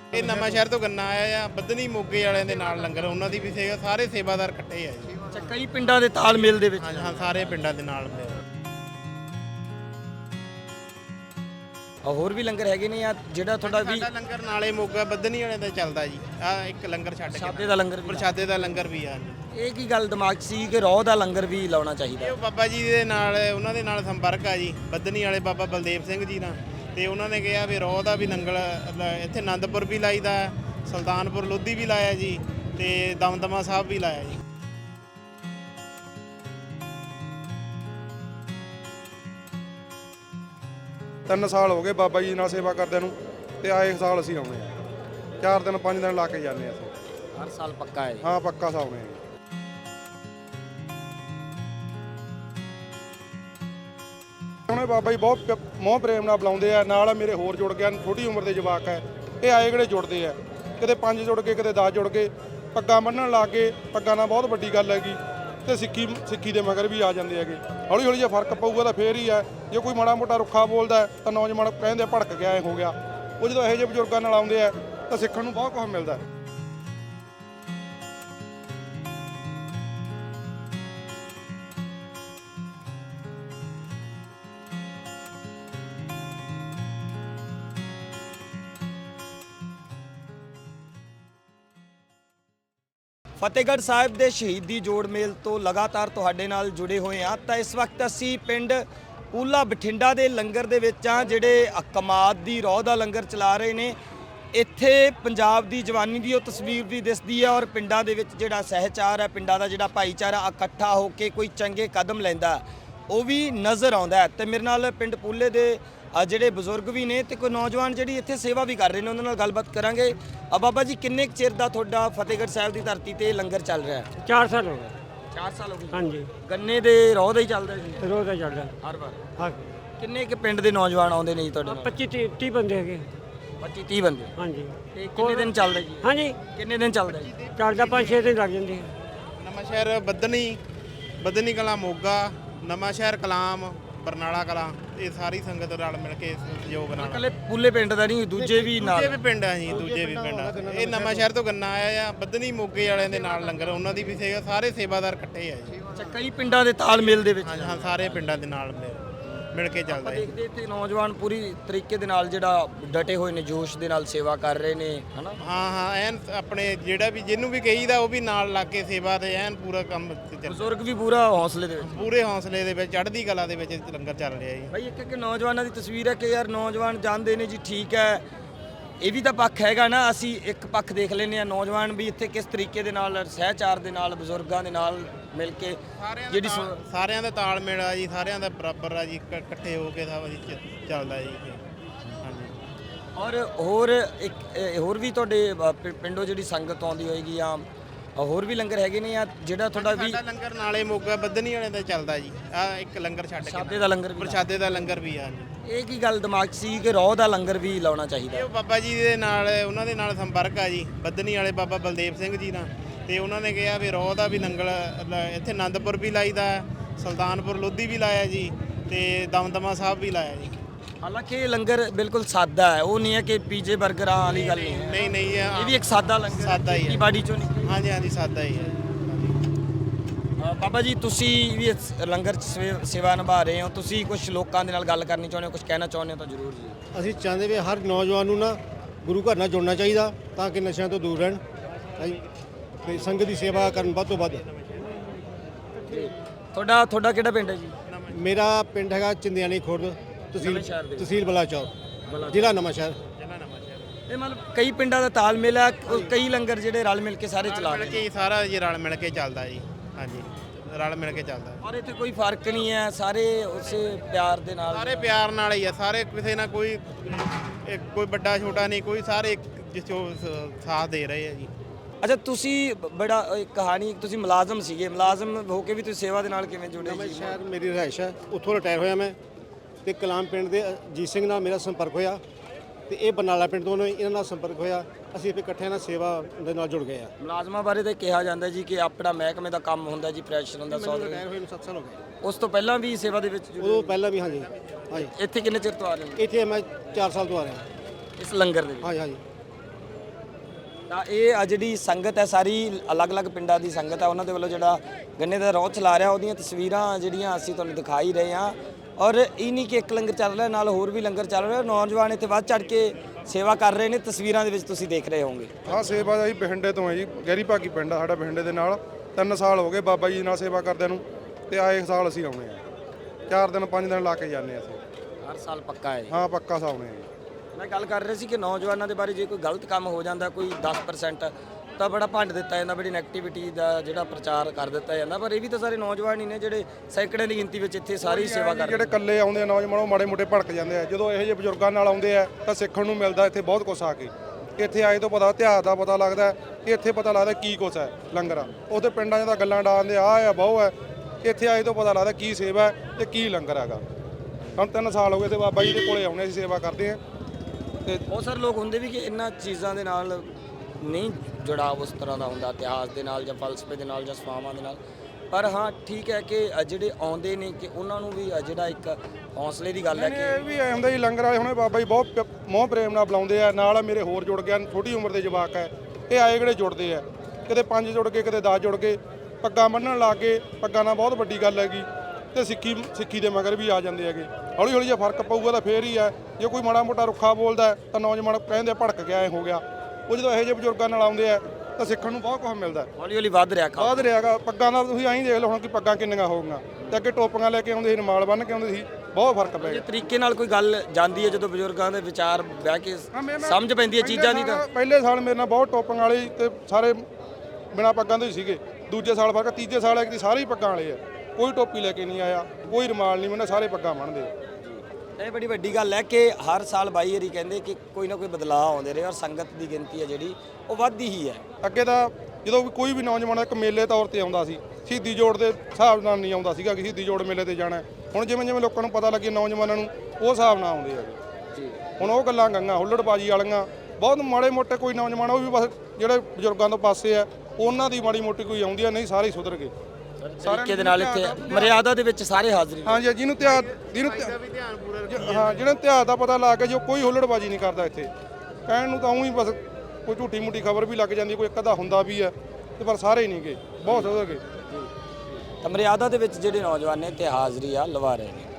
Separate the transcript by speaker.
Speaker 1: ਇਹ ਨਵਾਂ ਸ਼ਹਿਰ ਤੋਂ ਗੰਨਾ ਆਇਆ ਆ ਬੱਧਨੀ ਮੋਗੇ ਵਾਲਿਆਂ ਦੇ ਨਾਲ ਲੰਗਰ ਉਹਨਾਂ ਦੀ ਵੀ ਸੇਵਾ ਸਾਰੇ ਸੇਵਾਦਾਰ ਇਕੱਠੇ ਆ ਜੀ।
Speaker 2: ਅੱਛਾ, ਕਈ ਪਿੰਡਾਂ ਦੇ ਤਾਲਮੇਲ ਦੇ ਵਿੱਚ।
Speaker 1: ਹਾਂ ਸਾਰੇ ਪਿੰਡਾਂ ਦੇ ਨਾਲ ਮਿਲ।
Speaker 2: ਹੋਰ ਵੀ ਲੰਗਰ ਹੈਗੇ ਨੇ ਜਾਂ ਜਿਹੜਾ ਤੁਹਾਡਾ ਵੀ?
Speaker 1: ਸਾਡਾ ਲੰਗਰ ਨਾਲੇ ਮੋਗਾ ਬੱਧਨੀ ਵਾਲਿਆਂ ਦਾ ਚੱਲਦਾ ਜੀ। ਆ ਇੱਕ ਲੰਗਰ ਛੱਡ ਕੇ
Speaker 2: ਪ੍ਰਸ਼ਾਦੇ ਦਾ ਲੰਗਰ ਵੀ?
Speaker 1: ਪ੍ਰਸ਼ਾਦੇ ਦਾ ਲੰਗਰ ਵੀ ਆ ਜੀ।
Speaker 2: ਇਹ ਕੀ ਗੱਲ ਦਿਮਾਗ 'ਚ ਸੀ ਕਿ ਰੋਹ ਦਾ ਲੰਗਰ ਵੀ ਲਾਉਣਾ ਚਾਹੀਦਾ?
Speaker 1: ਇਹ ਬਾਬਾ ਜੀ ਦੇ ਨਾਲ ਉਹਨਾਂ ਦੇ ਨਾਲ ਸੰਪਰਕ ਆ ਜੀ ਬੱਧਨੀ ਵਾਲੇ ਬਾਬਾ ਬਲਦੇਵ ਸਿੰਘ ਜੀ ਨਾਲ, ਤੇ ਉਹਨਾਂ ਨੇ ਕਿਹਾ ਵੀ ਰੋਹ ਦਾ ਵੀ ਲੰਗਰ ਇੱਥੇ ਆਨੰਦਪੁਰ ਵੀ ਲਾਈਦਾ, ਸੁਲਤਾਨਪੁਰ ਲੋਧੀ ਵੀ ਲਾਇਆ ਜੀ, ਤੇ ਦਮਦਮਾ ਸਾਹਿਬ ਵੀ ਲਾਇਆ ਜੀ।
Speaker 3: ਤਿੰਨ ਸਾਲ ਹੋ ਗਏ ਬਾਬਾ ਜੀ ਨਾਲ ਸੇਵਾ ਕਰਦਿਆਂ ਨੂੰ, ਤੇ ਆਏ ਸਾਲ ਅਸੀਂ ਆਉਣੇ ਆ 4 ਦਿਨ 5 ਦਿਨ ਲਾ ਕੇ ਜਾਂਦੇ ਆ ਅਸੀਂ।
Speaker 2: ਹਰ ਸਾਲ ਪੱਕਾ ਹੈ?
Speaker 3: ਹਾਂ ਪੱਕਾ ਸਾਉਣੇ ਆ। ਉਹਨੇ ਬਾਬਾ ਜੀ ਬਹੁਤ ਮੋਹ ਪ੍ਰੇਮ ਨਾਲ ਬੁਲਾਉਂਦੇ ਆ। ਨਾਲ ਮੇਰੇ ਹੋਰ ਜੁੜ ਗਿਆ, ਛੋਟੀ ਉਮਰ ਦੇ ਜਵਾਕ ਹੈ ਇਹ ਆਏ ਕਿਹੜੇ ਜੁੜਦੇ ਆ, ਕਿਤੇ 5 ਜੁੜ ਕੇ ਕਿਤੇ 10 ਜੁੜ ਕੇ ਪੱਗਾਂ ਬੰਨਣ ਲੱਗ ਗਏ। ਪੱਗਾਂ ਨਾਲ ਬਹੁਤ ਵੱਡੀ ਗੱਲ ਹੈਗੀ, ਤੇ ਸਿੱਖੀ ਦੇ ਮਗਰ ਵੀ ਆ ਜਾਂਦੇ ਹੈਗੇ। ਹੌਲੀ ਹੌਲੀ ਜੇ ਫਰਕ ਪਊਗਾ ਤਾਂ ਫੇਰ ਹੀ ਹੈ। ਜੇ ਕੋਈ ਮਾੜਾ ਮੋਟਾ ਰੁੱਖਾ ਬੋਲਦਾ ਤਾਂ ਨੌਜਵਾਨ ਕਹਿੰਦੇ ਭੜਕ ਗਿਆ, ਐ ਹੋ ਗਿਆ। ਉਹ ਜਦੋਂ ਇਹੋ ਜਿਹੇ ਬਜ਼ੁਰਗਾਂ ਨਾਲ ਆਉਂਦੇ ਆ ਤਾਂ ਸਿੱਖਣ ਨੂੰ ਬਹੁਤ ਕੁਝ ਮਿਲਦਾ।
Speaker 2: ਫਤਿਹਗੜ੍ਹ ਸਾਹਿਬ ਦੇ ਸ਼ਹੀਦੀ ਜੋੜ ਮੇਲ ਤੋਂ ਲਗਾਤਾਰ ਤੁਹਾਡੇ ਨਾਲ ਜੁੜੇ ਹੋਏ ਆ। ਤਾਂ ਇਸ ਵਕਤ ਅਸੀਂ ਪਿੰਡ ਪੂਲਾ ਬਠਿੰਡਾ ਦੇ ਲੰਗਰ ਦੇ ਵਿੱਚ ਆ, ਜਿਹੜੇ ਕਮਾਦ ਦੀ ਰੋਹ ਦਾ ਲੰਗਰ ਚਲਾ ਰਹੇ ਨੇ। ਇੱਥੇ ਪੰਜਾਬ ਦੀ ਜਵਾਨੀ ਦੀ ਉਹ ਤਸਵੀਰ ਵੀ ਦਿਸਦੀ ਹੈ, ਔਰ ਪਿੰਡਾਂ ਦੇ ਵਿੱਚ ਜਿਹੜਾ ਸਹਿਚਾਰ ਹੈ, ਪਿੰਡਾਂ ਦਾ ਜਿਹੜਾ ਭਾਈਚਾਰਾ ਇਕੱਠਾ ਹੋ ਕੇ ਕੋਈ ਚੰਗੇ ਕਦਮ ਲੈਂਦਾ ਉਹ ਵੀ ਨਜ਼ਰ ਆਉਂਦਾ। ਤੇ ਮੇਰੇ ਨਾਲ ਪਿੰਡ ਪੂਲੇ ਦੇ ਜਿਹੜੇ ਬਜ਼ੁਰਗ ਵੀ ਨੇ ਤੇ ਕੋਈ ਨੌਜਵਾਨ ਜਿਹੜੀ ਇੱਥੇ ਸੇਵਾ ਵੀ ਕਰ ਰਹੇ ਨੇ, ਉਹਨਾਂ ਨਾਲ ਗੱਲਬਾਤ ਕਰਾਂਗੇ। ਬਾਬਾ ਜੀ, ਕਿੰਨੇ ਕੁ ਚਿਰ ਦਾ ਤੁਹਾਡਾ ਫਤਿਹਗੜ੍ਹ ਸਾਹਿਬ ਦੀ ਧਰਤੀ ਤੇ ਲੰਗਰ ਚੱਲ ਰਿਹਾ ਹੈ?
Speaker 4: 4 ਸਾਲ ਹੋ ਗਏ।
Speaker 2: 4 ਸਾਲ ਹੋ ਗਏ?
Speaker 4: ਹਾਂਜੀ, ਗੰਨੇ ਦੇ ਰੋਹ ਦਾ ਹੀ ਚੱਲਦਾ ਜੀ,
Speaker 2: ਰੋਜ਼ ਦਾ ਚੱਲਦਾ
Speaker 4: ਹਰ ਵਾਰ।
Speaker 2: ਹਾਂ। ਕਿੰਨੇ ਕੁ ਪਿੰਡ ਦੇ ਨੌਜਵਾਨ ਆਉਂਦੇ ਨੇ ਜੀ ਤੁਹਾਡੇ ਨਾਲ?
Speaker 4: 25-30 ਬੰਦੇ ਹੈਗੇ।
Speaker 2: 25-30 ਬੰਦੇ?
Speaker 4: ਹਾਂਜੀ।
Speaker 2: ਤੇ ਕਿੰਨੇ ਦਿਨ ਚੱਲਦਾ ਜੀ?
Speaker 4: ਹਾਂਜੀ,
Speaker 2: ਕਿੰਨੇ ਦਿਨ ਚੱਲਦਾ ਜੀ?
Speaker 4: ਚੱਲਦਾ 5-6 ਦਿਨ ਲੱਗ ਜਾਂਦੇ ਆ।
Speaker 1: ਨਵਾਂ ਸ਼ਹਿਰ ਬੱਧਨੀ ਕਲਾਂ ਮੋਗਾ, ਨਵਾਂ ਸ਼ਹਿਰ ਕਲਾਮ, ਬਰਨਾਲਾ ਕਲਾਂ, ਇਹ ਸਾਰੀ ਸੰਗਤ ਨਾਲ ਮਿਲ ਕੇ ਸਹਿਯੋਗ ਨਾਲ।
Speaker 2: ਇਕੱਲੇ ਪੂਲੇ ਪਿੰਡ ਦਾ ਨਹੀਂ, ਦੂਜੇ ਵੀ ਨਾਲ?
Speaker 1: ਦੂਜੇ ਵੀ ਪਿੰਡ ਆ ਜੀ, ਦੂਜੇ ਵੀ ਪਿੰਡ ਆ। ਇਹ ਨਵਾਂ ਸ਼ਹਿਰ ਤੋਂ ਗੰਨਾ ਆਇਆ ਆ ਬੱਧਨੀ ਮੋਗੇ ਵਾਲਿਆਂ ਦੇ ਨਾਲ ਲੰਗਰ ਉਹਨਾਂ ਦੀ ਵੀ ਸੇਵਾ ਸਾਰੇ ਸੇਵਾਦਾਰ ਇਕੱਠੇ ਆ ਜੀ।
Speaker 2: ਅੱਛਾ, ਕਈ ਪਿੰਡਾਂ ਦੇ ਤਾਲਮੇਲ ਦੇ ਵਿੱਚ?
Speaker 1: ਹਾਂ ਸਾਰੇ ਪਿੰਡਾਂ ਦੇ ਨਾਲ ਮਿਲ ਕੇ ਚੱਲਦਾ ਹੈ।
Speaker 2: ਦੇਖਦੇ ਇੱਥੇ ਨੌਜਵਾਨ ਪੂਰੀ ਤਰੀਕੇ ਦੇ ਨਾਲ ਜਿਹੜਾ ਡਟੇ ਹੋਏ ਨੇ, ਜੋਸ਼ ਦੇ ਨਾਲ ਸੇਵਾ ਕਰ ਰਹੇ ਨੇ, ਹਨਾ?
Speaker 1: ਹਾਂ ਐਨ ਆਪਣੇ ਜਿਹੜਾ ਵੀ ਜਿਹਨੂੰ ਵੀ ਕਹੀਦਾ ਉਹ ਵੀ ਨਾਲ ਲੱਗ ਕੇ ਸੇਵਾ ਤੇ ਐਨ ਪੂਰਾ ਕੰਮ
Speaker 2: ਬਜ਼ੁਰਗ ਵੀ ਪੂਰਾ ਹੌਸਲੇ ਦੇ ਵਿੱਚ?
Speaker 1: ਪੂਰੇ ਹੌਸਲੇ ਦੇ ਵਿੱਚ, ਚੜ੍ਹਦੀ ਕਲਾ ਦੇ ਵਿੱਚ ਲੰਗਰ ਚੱਲ ਰਿਹਾ ਜੀ।
Speaker 2: ਭਾਈ ਇੱਕ ਨੌਜਵਾਨਾਂ ਦੀ ਤਸਵੀਰ ਹੈ ਕਿ ਯਾਰ ਨੌਜਵਾਨ ਜਾਂਦੇ ਨੇ ਜੀ, ਠੀਕ ਹੈ, ਇਹ ਵੀ ਤਾਂ ਪੱਖ ਹੈਗਾ ਨਾ। ਅਸੀਂ ਇੱਕ ਪੱਖ ਦੇਖ ਲੈਂਦੇ ਹਾਂ, ਨੌਜਵਾਨ ਵੀ ਇੱਥੇ ਕਿਸ ਤਰੀਕੇ ਦੇ ਨਾਲ ਸਹਿਚਾਰ ਦੇ ਨਾਲ ਬਜ਼ੁਰਗਾਂ ਦੇ ਨਾਲ ਮਿਲ ਕੇ ਜਿਹੜੀ
Speaker 1: ਸਾਰਿਆਂ ਦਾ ਤਾਲਮੇਲ ਆ ਜੀ, ਸਾਰਿਆਂ ਦਾ ਬਰਾਬਰ ਆ ਜੀ, ਇਕੱਠੇ ਹੋ ਕੇ ਸਭ ਚੱਲਦਾ ਜੀ। ਹਾਂਜੀ।
Speaker 2: ਔਰ ਹੋਰ ਵੀ ਤੁਹਾਡੇ ਪਿੰਡੋਂ ਜਿਹੜੀ ਸੰਗਤ ਆਉਂਦੀ ਹੋਏਗੀ ਜਾਂ ਹੋਰ ਵੀ ਲੰਗਰ ਹੈਗੇ ਨੇ ਜਾਂ ਜਿਹੜਾ ਤੁਹਾਡਾ ਵੀ?
Speaker 1: ਸਾਡਾ ਲੰਗਰ ਨਾਲੇ ਮੋਗਾ ਬੱਧਨੀ ਵਾਲਿਆਂ ਦਾ ਚੱਲਦਾ ਜੀ। ਆ ਇੱਕ ਲੰਗਰ ਛੱਡ ਕੇ
Speaker 2: ਪ੍ਰਸ਼ਾਦੇ ਦਾ ਲੰਗਰ ਵੀ?
Speaker 1: ਪ੍ਰਸ਼ਾਦੇ ਦਾ ਲੰਗਰ ਵੀ ਆ ਜੀ।
Speaker 2: ਇਹ ਕੀ ਗੱਲ ਦਿਮਾਗ 'ਚ ਸੀ ਕਿ ਰੋਹ ਦਾ ਲੰਗਰ ਵੀ ਲਾਉਣਾ ਚਾਹੀਦਾ?
Speaker 1: ਇਹ ਬਾਬਾ ਜੀ ਦੇ ਨਾਲ ਉਹਨਾਂ ਦੇ ਨਾਲ ਸੰਪਰਕ ਆ ਜੀ ਬੱਧਨੀ ਵਾਲੇ ਬਾਬਾ ਬਲਦੇਵ ਸਿੰਘ ਜੀ ਨਾਲ, ਤੇ ਉਹਨਾਂ ਨੇ ਕਿਹਾ ਵੀ ਰੋਹ ਦਾ ਵੀ ਲੰਗਰ ਇੱਥੇ ਆਨੰਦਪੁਰ ਵੀ ਲਾਈਦਾ, ਸੁਲਤਾਨਪੁਰ ਲੋਧੀ ਵੀ ਲਾਇਆ ਜੀ, ਤੇ ਦਮਦਮਾ ਸਾਹਿਬ ਵੀ ਲਾਇਆ ਜੀ।
Speaker 2: ਹਾਲਾਂਕਿ ਇਹ ਲੰਗਰ ਬਿਲਕੁਲ ਸਾਦਾ ਹੈ, ਉਹ ਨਹੀਂ ਹੈ ਕਿ ਪੀਜੇ 버ਗਰਾਂ ਵਾਲੀ ਗੱਲ ਨਹੀਂ ਹੈ।
Speaker 1: ਨਹੀਂ
Speaker 2: ਇਹ ਵੀ ਇੱਕ ਸਾਦਾ ਲੰਗਰ,
Speaker 1: ਸਾਦਾ ਹੀ ਹੈ,
Speaker 2: ਬਾੜੀ ਚੋਂ ਨਹੀਂ?
Speaker 1: ਹਾਂਜੀ ਸਾਦਾ ਹੀ ਹੈ।
Speaker 2: ਬਾਬਾ ਜੀ, ਤੁਸੀਂ ਵੀ ਇਸ ਲੰਗਰ 'ਚ ਸੇਵਾ ਨਿਭਾ ਰਹੇ ਹੋ, ਤੁਸੀਂ ਕੁਝ ਲੋਕਾਂ ਦੇ ਨਾਲ ਗੱਲ ਕਰਨੀ ਚਾਹੁੰਦੇ ਹੋ, ਕੁਝ ਕਹਿਣਾ ਚਾਹੁੰਦੇ ਹੋ ਤਾਂ ਜ਼ਰੂਰ ਜੀ।
Speaker 5: ਅਸੀਂ ਚਾਹੁੰਦੇ ਵੀ ਹਰ ਨੌਜਵਾਨ ਨੂੰ ਨਾ ਗੁਰੂ ਘਰ ਨਾਲ ਜੁੜਨਾ ਚਾਹੀਦਾ ਤਾਂ ਕਿ ਨਸ਼ਿਆਂ ਤੋਂ ਦੂਰ ਰਹਿਣ ਤੇ ਸੰਗਤ ਦੀ ਸੇਵਾ ਕਰਨ ਵੱਧ ਤੋਂ ਵੱਧ।
Speaker 2: ਤੁਹਾਡਾ ਕਿਹੜਾ ਪਿੰਡ ਹੈ ਜੀ?
Speaker 5: ਮੇਰਾ ਪਿੰਡ ਹੈਗਾ ਚਿੰਦਿਆਣੀ ਖੁਰਦ, ਤਹਿਸੀਲ ਬਲਾਚੌਰ, ਜ਼ਿਲ੍ਹਾ ਨਵਾਂ ਸ਼ਹਿਰ।
Speaker 2: ਇਹ ਮਤਲਬ ਕਈ ਪਿੰਡਾਂ ਦਾ ਤਾਲਮੇਲ ਹੈ, ਕਈ ਲੰਗਰ ਜਿਹੜੇ ਰਲ ਮਿਲ ਕੇ ਸਾਰੇ ਚਲਾ ਰਹੇ ਨੇ?
Speaker 1: ਸਾਰਾ ਜੀ ਰਲ ਮਿਲ ਕੇ ਚੱਲਦਾ ਜੀ। ਹਾਂਜੀ, ਰਲ ਮਿਲ ਕੇ ਚੱਲਦਾ।
Speaker 2: ਔਰ ਇੱਥੇ ਕੋਈ ਫਰਕ ਨਹੀਂ ਹੈ, ਸਾਰੇ ਉਸੇ ਪਿਆਰ ਦੇ ਨਾਲ?
Speaker 1: ਸਾਰੇ ਪਿਆਰ ਨਾਲ ਹੀ ਆ, ਸਾਰੇ ਕਿਸੇ ਨਾਲ ਕੋਈ ਵੱਡਾ ਛੋਟਾ ਨਹੀਂ, ਕੋਈ ਸਾਰੇ ਸਾਥ ਦੇ ਰਹੇ ਆ ਜੀ।
Speaker 2: ਅੱਛਾ, ਤੁਸੀਂ ਬੜਾ ਕਹਾਣੀ, ਤੁਸੀਂ ਮੁਲਾਜ਼ਮ ਸੀਗੇ, ਮੁਲਾਜ਼ਮ ਹੋ ਕੇ ਵੀ ਤੁਸੀਂ ਸੇਵਾ ਦੇ ਨਾਲ ਕਿਵੇਂ ਜੁੜੇ?
Speaker 5: ਨਵਾਂ ਸ਼ਹਿਰ ਮੇਰੀ ਰਿਹਾਇਸ਼ ਹੈ, ਉੱਥੋਂ ਰਿਟਾਇਰ ਹੋਇਆ ਮੈਂ, ਤੇ ਕਲਾਮ ਪਿੰਡ ਦੇ ਅਜੀਤ ਸਿੰਘ ਨਾਲ ਮੇਰਾ ਸੰਪਰਕ ਹੋਇਆ, ਤੇ ਇਹ ਬਰਨਾਲਾ ਪਿੰਡ ਤੋਂ ਇਹਨਾਂ ਨਾਲ ਸੰਪਰਕ ਹੋਇਆ। ਅਸੀਂ ਫਿਰ ਇਕੱਠਿਆਂ ਨਾਲ ਸੇਵਾ ਦੇ ਨਾਲ ਜੁੜ ਗਏ ਆ।
Speaker 2: ਮੁਲਾਜ਼ਮਾਂ ਬਾਰੇ ਤਾਂ ਕਿਹਾ ਜਾਂਦਾ ਜੀ ਕਿ ਆਪਣਾ ਮਹਿਕਮੇ ਦਾ ਕੰਮ ਹੁੰਦਾ ਜੀ, ਪ੍ਰੈਸ਼ਰ ਹੁੰਦਾ।
Speaker 5: ਰਿਟਾਇਰ ਹੋਏ ਨੂੰ 7 ਸਾਲ ਹੋ ਗਏ।
Speaker 2: ਉਸ ਤੋਂ ਪਹਿਲਾਂ ਵੀ ਸੇਵਾ ਦੇ ਵਿੱਚ ਜੁੜੇ?
Speaker 5: ਉਦੋਂ ਪਹਿਲਾਂ ਵੀ। ਹਾਂਜੀ।
Speaker 2: ਇੱਥੇ ਕਿੰਨੇ ਚਿਰ ਤੋਂ ਆ ਰਹੇ ਹੋ?
Speaker 5: ਇੱਥੇ ਮੈਂ 4 ਸਾਲ ਤੋਂ ਆ ਰਿਹਾ
Speaker 2: ਇਸ ਲੰਗਰ ਦੇ ਵਿੱਚ?
Speaker 5: ਹਾਂਜੀ।
Speaker 2: ਤਾਂ ਇਹ ਆ ਜਿਹੜੀ ਸੰਗਤ ਹੈ ਸਾਰੀ ਅਲੱਗ-ਅਲੱਗ ਪਿੰਡਾਂ ਦੀ ਸੰਗਤ ਹੈ, ਉਹਨਾਂ ਦੇ ਵੱਲੋਂ ਜਿਹੜਾ ਗੰਨੇ ਦਾ ਰੋਹ ਚਲਾ ਰਿਹਾ ਉਹਦੀਆਂ ਤਸਵੀਰਾਂ ਜਿਹੜੀਆਂ ਅਸੀਂ ਤੁਹਾਨੂੰ ਦਿਖਾ ਹੀ ਰਹੇ ਹਾਂ। ਔਰ ਇਹ ਨਹੀਂ ਕਿ ਇੱਕ ਲੰਗਰ ਚੱਲ ਰਿਹਾ, ਨਾਲ ਹੋਰ ਵੀ ਲੰਗਰ ਚੱਲ ਰਿਹਾ। ਨੌਜਵਾਨ ਇੱਥੇ ਵੱਧ ਚੜ ਕੇ ਸੇਵਾ ਕਰ ਰਹੇ ਨੇ, ਤਸਵੀਰਾਂ ਦੇ ਵਿੱਚ ਤੁਸੀਂ ਦੇਖ ਰਹੇ ਹੋਵੋਗੇ।
Speaker 3: ਹਾਂ, ਸੇਵਾ ਜੀ ਬਠਿੰਡੇ ਤੋਂ ਹੈ ਜੀ, ਗਹਿਰੀ ਭਾਗੀ ਪਿੰਡ ਆ ਸਾਡਾ ਬਠਿੰਡੇ ਦੇ ਨਾਲ। 3 ਸਾਲ ਹੋ ਗਏ ਬਾਬਾ ਜੀ ਨਾਲ ਸੇਵਾ ਕਰਦਿਆਂ ਨੂੰ, ਤੇ ਆਏ ਸਾਲ ਅਸੀਂ ਆਉਣੇ ਆ। 4 ਦਿਨ 5 ਦਿਨ ਲਾ ਕੇ ਜਾਂਦੇ ਆ ਅਸੀਂ।
Speaker 2: ਹਰ ਸਾਲ ਪੱਕਾ ਹੈ।
Speaker 3: ਹਾਂ, ਪੱਕਾ ਸਾਉਣੇ ਆ ਜੀ।
Speaker 2: ਮੈਂ ਗੱਲ ਕਰ ਰਿਹਾ ਸੀ ਕਿ ਨੌਜਵਾਨਾਂ ਦੇ ਬਾਰੇ ਜੇ ਕੋਈ ਗਲਤ ਕੰਮ ਹੋ ਜਾਂਦਾ, ਕੋਈ 10% ਤਾਂ ਬੜਾ ਭੰਡ ਦਿੱਤਾ ਜਾਂਦਾ, ਬੜੀ ਨੈਗੇਟਿਵਿਟੀ ਦਾ ਜਿਹੜਾ ਪ੍ਰਚਾਰ ਕਰ ਦਿੱਤਾ ਜਾਂਦਾ। ਪਰ ਇਹ ਵੀ ਤਾਂ ਸਾਰੇ ਨੌਜਵਾਨ ਹੀ ਨੇ ਜਿਹੜੇ ਸੈਂਕੜੇ ਦੀ ਗਿਣਤੀ ਵਿੱਚ ਇੱਥੇ ਸਾਰੀ ਸੇਵਾ ਕਰ ਰਹੇ।
Speaker 3: ਜਿਹੜੇ ਇਕੱਲੇ ਆਉਂਦੇ ਆ ਨੌਜਵਾਨ, ਉਹ ਮਾੜੇ ਮੋਟੇ ਭੜਕ ਜਾਂਦੇ ਆ। ਜਦੋਂ ਇਹੋ ਜਿਹੇ ਬਜ਼ੁਰਗਾਂ ਨਾਲ ਆਉਂਦੇ ਆ ਤਾਂ ਸਿੱਖਣ ਨੂੰ ਮਿਲਦਾ ਇੱਥੇ ਬਹੁਤ ਕੁਛ ਆ ਕੇ। ਇੱਥੇ ਆਏ ਤੋਂ ਪਤਾ ਇਤਿਹਾਸ ਦਾ ਪਤਾ ਲੱਗਦਾ ਕਿ ਇੱਥੇ ਪਤਾ ਲੱਗਦਾ ਕੀ ਕੁਛ ਹੈ ਲੰਗਰ। ਉਹਦੇ ਪਿੰਡਾਂ 'ਚ ਤਾਂ ਗੱਲਾਂ ਡਾਂਦੇ ਆ ਬਹੁ ਹੈ, ਇੱਥੇ ਆਏ ਤੋਂ ਪਤਾ ਲੱਗਦਾ ਕੀ ਸੇਵਾ ਹੈ ਤੇ ਕੀ ਲੰਗਰ ਹੈਗਾ। ਹੁਣ 3 ਸਾਲ ਹੋ ਗਏ ਤੇ ਬਾਬਾ ਜੀ ਦੇ ਕੋਲੇ ਆਉਣੇ, ਅਸੀਂ ਸੇਵਾ ਕਰਦੇ ਹਾਂ। ਤੇ
Speaker 2: ਬਹੁਤ ਸਾਰੇ ਲੋਕ ਹੁੰਦੇ ਵੀ ਕਿ ਇਹਨਾਂ ਚੀਜ਼ਾਂ ਦੇ ਨਾਲ ਨਹੀਂ ਜੁੜਾਵ ਉਸ ਤਰ੍ਹਾਂ ਦਾ ਹੁੰਦਾ, ਇਤਿਹਾਸ ਦੇ ਨਾਲ ਜਾਂ ਫਲਸਫੇ ਦੇ ਨਾਲ ਜਾਂ ਸਵਾਵਾਂ ਦੇ ਨਾਲ। ਪਰ ਹਾਂ ਠੀਕ ਹੈ ਕਿ ਜਿਹੜੇ ਆਉਂਦੇ ਨੇ ਕਿ ਉਹਨਾਂ ਨੂੰ ਵੀ ਜਿਹੜਾ ਇੱਕ ਹੌਸਲੇ ਦੀ ਗੱਲ ਹੈ ਕਿ
Speaker 3: ਇਹ ਵੀ ਐ ਹੁੰਦਾ ਜੀ, ਲੰਗਰ ਵਾਲੇ ਹੁਣੇ ਬਾਬਾ ਜੀ ਬਹੁਤ ਮੋਹ ਪ੍ਰੇਮ ਨਾਲ ਬੁਲਾਉਂਦੇ ਆ। ਨਾਲ ਮੇਰੇ ਹੋਰ ਜੁੜ ਗਿਆ, ਛੋਟੀ ਉਮਰ ਦੇ ਜਵਾਕ ਹੈ, ਇਹ ਆਏ ਕਿਹੜੇ ਜੁੜਦੇ ਆ। ਕਿਤੇ 5 ਜੁੜ ਕੇ, ਕਿਤੇ 10 ਜੁੜ ਕੇ, ਪੱਗਾਂ ਬੰਨਣ ਲੱਗ ਗਏ। ਪੱਗਾਂ ਨਾਲ ਬਹੁਤ ਵੱਡੀ ਗੱਲ ਹੈਗੀ, ਤੇ ਸਿੱਖੀ ਦੇ ਮਗਰ ਵੀ ਆ ਜਾਂਦੇ ਹੈਗੇ। ਹੌਲੀ ਹੌਲੀ ਜੇ ਫਰਕ ਪਊਗਾ ਤਾਂ ਫੇਰ ਹੀ ਹੈ। ਜੇ ਕੋਈ ਮਾੜਾ ਮੋਟਾ ਰੁੱਖਾ ਬੋਲਦਾ ਤਾਂ ਨੌਜਵਾਨ ਕਹਿੰਦੇ ਭੜਕ ਗਿਆ, ਐ ਹੋ ਗਿਆ। ਉਹ ਜਦੋਂ ਇਹੋ ਜਿਹੇ ਬਜ਼ੁਰਗਾਂ ਨਾਲ ਆਉਂਦੇ ਆ ਤਾਂ ਸਿੱਖਣ ਨੂੰ ਬਹੁਤ ਕੁਝ ਮਿਲਦਾ।
Speaker 2: ਹੌਲੀ ਹੌਲੀ ਵੱਧ ਰਿਹਾ ਕੰਮ।
Speaker 3: ਵੱਧ ਰਿਹਾਗਾ ਪੱਗਾਂ ਦਾ। ਤੁਸੀਂ ਐਂ ਦੇਖ ਲਓ ਹੁਣ ਕਿ ਪੱਗਾਂ ਕਿੰਨੀਆਂ ਹੋ ਗਈਆਂ, ਤੇ ਅੱਗੇ ਟੋਪੀਆਂ ਲੈ ਕੇ ਆਉਂਦੇ ਸੀ, ਰੁਮਾਲ ਬੰਨ੍ਹ ਕੇ ਆਉਂਦੇ ਸੀ, ਬਹੁਤ ਫਰਕ ਪੈ
Speaker 2: ਜੇ
Speaker 3: ਗਿਆ।
Speaker 2: ਤਰੀਕੇ ਨਾਲ ਕੋਈ ਗੱਲ ਜਾਂਦੀ ਹੈ, ਜਦੋਂ ਬਜ਼ੁਰਗਾਂ ਦੇ ਵਿਚਾਰ ਬਹਿ ਕੇ ਸਮਝ ਪੈਂਦੀ ਹੈ ਚੀਜ਼ਾਂ ਦੀ, ਤਾਂ
Speaker 3: ਪਹਿਲੇ ਸਾਲ ਮੇਰੇ ਨਾਲ ਬਹੁਤ ਟੋਪੀਆਂ ਵਾਲੇ ਤੇ ਸਾਰੇ ਬਿਨਾਂ ਪੱਗਾਂ ਦੇ ਹੀ ਸੀਗੇ। ਦੂਜੇ ਸਾਲ ਫਰਕ, ਤੀਜੇ ਸਾਲ ਹੈ ਕਿ ਸਾਰੇ ਹੀ ਪੱਗਾਂ ਵਾਲੇ ਆ। ਕੋਈ ਟੋਪੀ ਲੈ ਕੇ ਨਹੀਂ ਆਇਆ, ਕੋਈ ਰੁਮਾਲ ਨਹੀਂ ਬੰਨ੍ਹਿਆ, ਸਾਰੇ ਪੱਗਾਂ ਬੰਨ੍ਹਦੇ ਆ।
Speaker 2: ਇਹ ਬੜੀ ਵੱਡੀ ਗੱਲ ਹੈ ਕਿ ਹਰ ਸਾਲ ਬਾਈ ਹਰੀ ਕਹਿੰਦੇ ਕਿ ਕੋਈ ਨਾ ਕੋਈ ਬਦਲਾਅ ਆਉਂਦੇ ਰਹੇ, ਔਰ ਸੰਗਤ ਦੀ ਗਿਣਤੀ ਹੈ ਜਿਹੜੀ ਉਹ ਵੱਧਦੀ ਹੀ ਹੈ। ਅੱਗੇ
Speaker 3: ਤਾਂ ਜਦੋਂ ਵੀ ਕੋਈ ਵੀ ਨੌਜਵਾਨ ਇੱਕ ਮੇਲੇ ਤੌਰ ਤੇ ਆਉਂਦਾ ਸੀ, ਸ਼ਹੀਦੀ ਜੋੜ ਦੇ ਹਿਸਾਬ ਨਾਲ ਨਹੀਂ ਆਉਂਦਾ ਸੀਗਾ ਕਿ ਸ਼ਹੀਦੀ ਜੋੜ ਮੇਲੇ ਤੇ ਜਾਣਾ। ਹੁਣ ਜਿਵੇਂ ਜਿਵੇਂ ਲੋਕਾਂ ਨੂੰ ਪਤਾ ਲੱਗੇ, ਨੌਜਵਾਨਾਂ ਨੂੰ ਉਹ ਹਿਸਾਬ ਨਾਲ ਆਉਂਦੇ ਹੈਗੇ। ਹੁਣ ਉਹ ਗੱਲਾਂ ਗੰਗਾ ਹੁੱਲੜਬਾਜੀ ਵਾਲੀਆਂ ਬਹੁਤ ਮਾੜੇ ਮੋਟੇ ਕੋਈ ਨੌਜਵਾਨ, ਉਹ ਵੀ ਬਸ ਜਿਹੜੇ ਬਜ਼ੁਰਗਾਂ ਤੋਂ ਪਾਸੇ ਆ, ਉਹਨਾਂ ਦੀ ਮਾੜੀ ਮੋਟੀ ਕੋਈ ਆਉਂਦੀ ਆ, ਨਹੀਂ ਸਾਰੇ ਹੀ ਸੁਧਰ ਗਏ।
Speaker 2: ਤਰੀਕੇ ਦੇ ਨਾਲ ਇੱਥੇ ਮਰਿਆਦਾ ਦੇ ਵਿੱਚ ਸਾਰੇ ਹਾਜ਼ਰੀ।
Speaker 3: ਹਾਂਜੀ, ਜਿਹਨੂੰ ਧਿਆਨ ਹਾਂ, ਜਿਹਨਾਂ ਧਿਆਨ ਦਾ ਪਤਾ ਲਾ ਕੇ ਜੋ ਕੋਈ ਹੁੱਲੜਬਾਜੀ ਨਹੀਂ ਕਰਦਾ ਇੱਥੇ। ਕਹਿਣ ਨੂੰ ਤਾਂ ਊਂ ਹੀ ਬਸ ਕੋਈ ਝੂਠੀ ਮੂਠੀ ਖਬਰ ਵੀ ਲੱਗ ਜਾਂਦੀ, ਕੋਈ ਇੱਕ ਅੱਧਾ ਹੁੰਦਾ ਵੀ ਹੈ, ਤੇ ਪਰ ਸਾਰੇ ਨਹੀਂ ਗਏ, ਬਹੁਤ ਸੁਧਰ ਗਏ।
Speaker 2: ਤਾਂ ਮਰਿਆਦਾ ਦੇ ਵਿੱਚ ਜਿਹੜੇ ਨੌਜਵਾਨ ਨੇ ਤੇ ਹਾਜ਼ਰੀ ਆ ਲਵਾ ਰਹੇ ਨੇ।